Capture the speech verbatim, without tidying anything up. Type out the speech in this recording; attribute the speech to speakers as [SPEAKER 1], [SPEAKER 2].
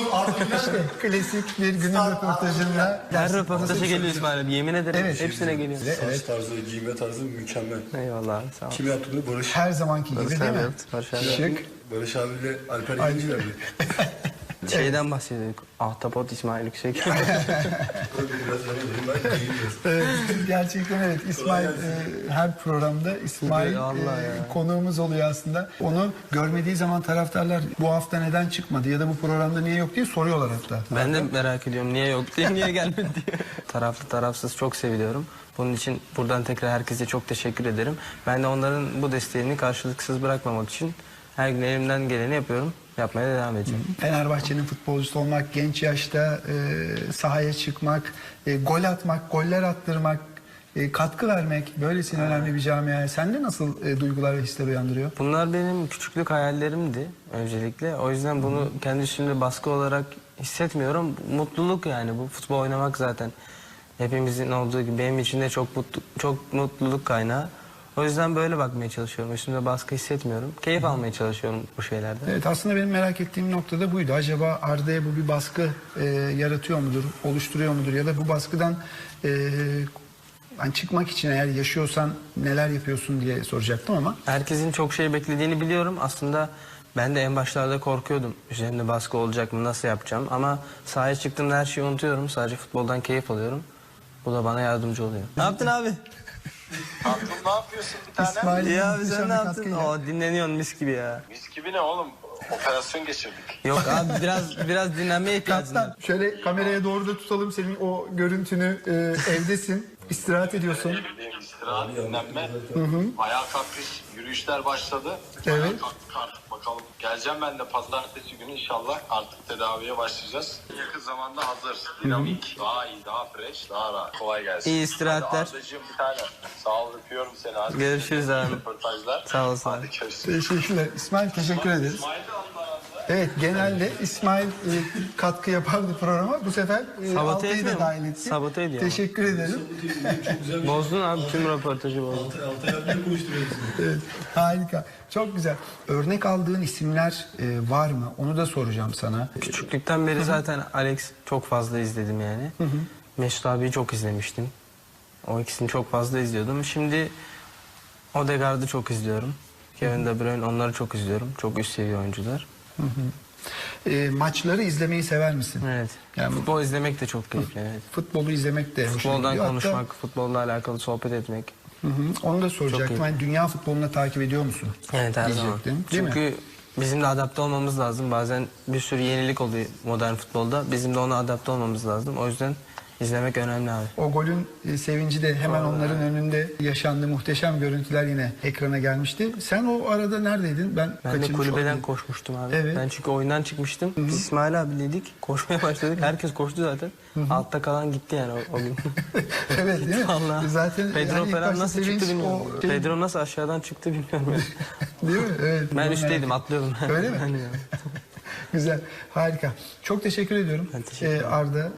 [SPEAKER 1] İşte klasik bir günün röportajında.
[SPEAKER 2] Her röportaja geliyor İsmail abi. Yemin ederim
[SPEAKER 1] Evet.
[SPEAKER 2] hepsine geliyor.
[SPEAKER 3] Saç tarzı, giyme tarzı mükemmel.
[SPEAKER 2] Eyvallah abi, sağ ol.
[SPEAKER 3] Kim yaptı bunu? Barış.
[SPEAKER 1] Her zamanki gibi
[SPEAKER 2] Barış
[SPEAKER 1] değil
[SPEAKER 2] abi
[SPEAKER 1] mi?
[SPEAKER 2] yaptı, Barış abi
[SPEAKER 1] Şık.
[SPEAKER 3] Barış abiyle Alper Yeninciler mi?
[SPEAKER 2] Şeyden bahsediyorduk. Ahtapot İsmail Yüksek.
[SPEAKER 3] Biraz yanıyorum ben giymiyorum.
[SPEAKER 1] Evet, gerçekten evet. İsmail e, her programda İsmail
[SPEAKER 2] Allah
[SPEAKER 1] e,
[SPEAKER 2] ya.
[SPEAKER 1] konuğumuz oluyor aslında. Onu görmediği zaman taraftarlar bu hafta neden çıkmadı ya da bu programda niye yok diye soruyorlar hatta.
[SPEAKER 2] Ben de merak ediyorum niye yok diye, niye gelmedi diye. Taraflı tarafsız çok seviliyorum. Bunun için buradan tekrar herkese çok teşekkür ederim. Ben de onların bu desteğini karşılıksız bırakmamak için her gün elimden geleni yapıyorum. Yapmaya da devam edeceğim.
[SPEAKER 1] Fenerbahçe'nin futbolcusu olmak, genç yaşta e, sahaya çıkmak, e, gol atmak, goller attırmak, e, katkı vermek böylesine önemli bir camiaya sende nasıl e, duygular ve hisler uyandırıyor?
[SPEAKER 2] Bunlar benim küçüklük hayallerimdi öncelikle. O yüzden bunu kendi üstümde baskı olarak hissetmiyorum. Mutluluk yani bu futbol oynamak zaten. Hepimizin olduğu gibi benim için de çok mutlu, çok mutluluk kaynağı. O yüzden böyle bakmaya çalışıyorum. Üstümde baskı hissetmiyorum. Keyif almaya çalışıyorum bu şeylerden.
[SPEAKER 1] Evet, aslında benim merak ettiğim nokta da buydu. Acaba Arda'ya bu bir baskı e, yaratıyor mudur, oluşturuyor mudur ya da bu baskıdan e, hani çıkmak için eğer yaşıyorsan neler yapıyorsun diye soracaktım ama.
[SPEAKER 2] Herkesin çok şey beklediğini biliyorum. Aslında ben de en başlarda korkuyordum. Üzerimde baskı olacak mı, nasıl yapacağım? Ama sahaya çıktığımda her şeyi unutuyorum. Sadece futboldan keyif alıyorum. Bu da bana yardımcı oluyor. Ne yaptın abi?
[SPEAKER 4] Tatlım ne yapıyorsun bir tane?
[SPEAKER 1] İsmail
[SPEAKER 2] İyi abi
[SPEAKER 1] muhteşem
[SPEAKER 2] sen
[SPEAKER 1] bir
[SPEAKER 2] ne yaptın?
[SPEAKER 1] katkıyla.
[SPEAKER 2] Oo, dinleniyorsun mis gibi ya.
[SPEAKER 4] Mis gibi ne oğlum? Operasyon geçirdik.
[SPEAKER 2] Yok abi biraz biraz dinlenmeye ihtiyacım var.
[SPEAKER 1] Kaptan şöyle kameraya doğru da tutalım senin o görüntünü, e, evdesin, istirahat ediyorsun.
[SPEAKER 4] Benim istirahat, dinlenme. Ayağa kalkış, yürüyüşler başladı.
[SPEAKER 1] Evet.
[SPEAKER 4] Ayağa kalktık artık bakalım. Geleceğim ben de pazartesi günü inşallah artık tedaviye başlayacağız. Yakın zamanda hazır. Dinamik, daha iyi, daha fresh, daha rahat. Kolay gelsin.
[SPEAKER 2] İyi istirahatler.
[SPEAKER 4] Hadi Ardacığım bir tane. Sağ ol, öpüyorum seni. Hadi.
[SPEAKER 2] Görüşürüz abi.
[SPEAKER 4] Röportajlar.
[SPEAKER 2] Sağ olasın
[SPEAKER 4] Hadi
[SPEAKER 2] abi.
[SPEAKER 4] görüşürüz.
[SPEAKER 1] Teşekkürler. İsmail teşekkür ederiz.
[SPEAKER 4] İsmail de Allah razı olsun.
[SPEAKER 1] Evet, genelde İsmail e, katkı yapardı programa. Bu sefer e,
[SPEAKER 2] Sabote
[SPEAKER 1] Altay'ı
[SPEAKER 2] etmiyor
[SPEAKER 1] da
[SPEAKER 2] mu?
[SPEAKER 1] dahil etti.
[SPEAKER 2] Sabote ediyor ama.
[SPEAKER 1] Teşekkür ederim.
[SPEAKER 2] Bozdun abi tüm röportajı bozdun.
[SPEAKER 3] Altay abiyle konuşturuyoruz.
[SPEAKER 1] Evet, harika. Çok güzel. Örnek aldığın isimler e, var mı? Onu da soracağım sana.
[SPEAKER 2] Küçüklükten beri zaten Alex çok fazla izledim yani. Mesut abiyi çok izlemiştim. O ikisini çok fazla izliyordum. Şimdi Odegaard'ı çok izliyorum. Kevin De Bruyne onları çok izliyorum. Çok üst seviye oyuncular.
[SPEAKER 1] E, maçları izlemeyi sever misin?
[SPEAKER 2] Evet.
[SPEAKER 1] Yani-
[SPEAKER 2] Futbol izlemek de çok keyifli. Evet.
[SPEAKER 1] Futbolu izlemek de hoşuna
[SPEAKER 2] Futboldan
[SPEAKER 1] gidiyor.
[SPEAKER 2] konuşmak,
[SPEAKER 1] Hatta,
[SPEAKER 2] futbolla alakalı sohbet etmek.
[SPEAKER 1] hı hı, onu da soracaktım.
[SPEAKER 2] iyi.
[SPEAKER 1] Yani dünya futbolunu takip ediyor musun?
[SPEAKER 2] Evet her zaman.
[SPEAKER 1] Diyecektim, değil mi?
[SPEAKER 2] Çünkü bizim de adapte olmamız lazım. Bazen bir sürü yenilik oluyor modern futbolda. Bizim de ona adapte olmamız lazım. O yüzden izlemek önemli abi.
[SPEAKER 1] O golün e, sevinci de hemen onların önünde yaşandı. Muhteşem görüntüler yine ekrana gelmişti. Sen o arada neredeydin? Ben,
[SPEAKER 2] Ben de
[SPEAKER 1] kaçırmış
[SPEAKER 2] kulübeden
[SPEAKER 1] olabilirim.
[SPEAKER 2] koşmuştum abi.
[SPEAKER 1] Evet.
[SPEAKER 2] Ben çünkü oyundan çıkmıştım. Biz İsmail abileydik. Koşmaya başladık. Herkes koştu zaten. Altta kalan gitti yani o, o gün.
[SPEAKER 1] Evet değil mi?
[SPEAKER 2] Allah.
[SPEAKER 1] Zaten
[SPEAKER 2] Pedro
[SPEAKER 1] yani ilk
[SPEAKER 2] falan
[SPEAKER 1] başta
[SPEAKER 2] nasıl
[SPEAKER 1] sevinç,
[SPEAKER 2] çıktı bilmiyorum.
[SPEAKER 1] o şey-
[SPEAKER 2] Pedro nasıl aşağıdan çıktı bilmiyorum.
[SPEAKER 1] Değil mi? Evet.
[SPEAKER 2] Ben
[SPEAKER 1] Bunu
[SPEAKER 2] üstteydim
[SPEAKER 1] merak
[SPEAKER 2] atlıyordum.
[SPEAKER 1] Öyle mi?
[SPEAKER 2] Hani ya.
[SPEAKER 1] ettim. Güzel. Harika. Çok teşekkür ediyorum.
[SPEAKER 2] Ben teşekkür ederim.
[SPEAKER 1] Ee, Arda.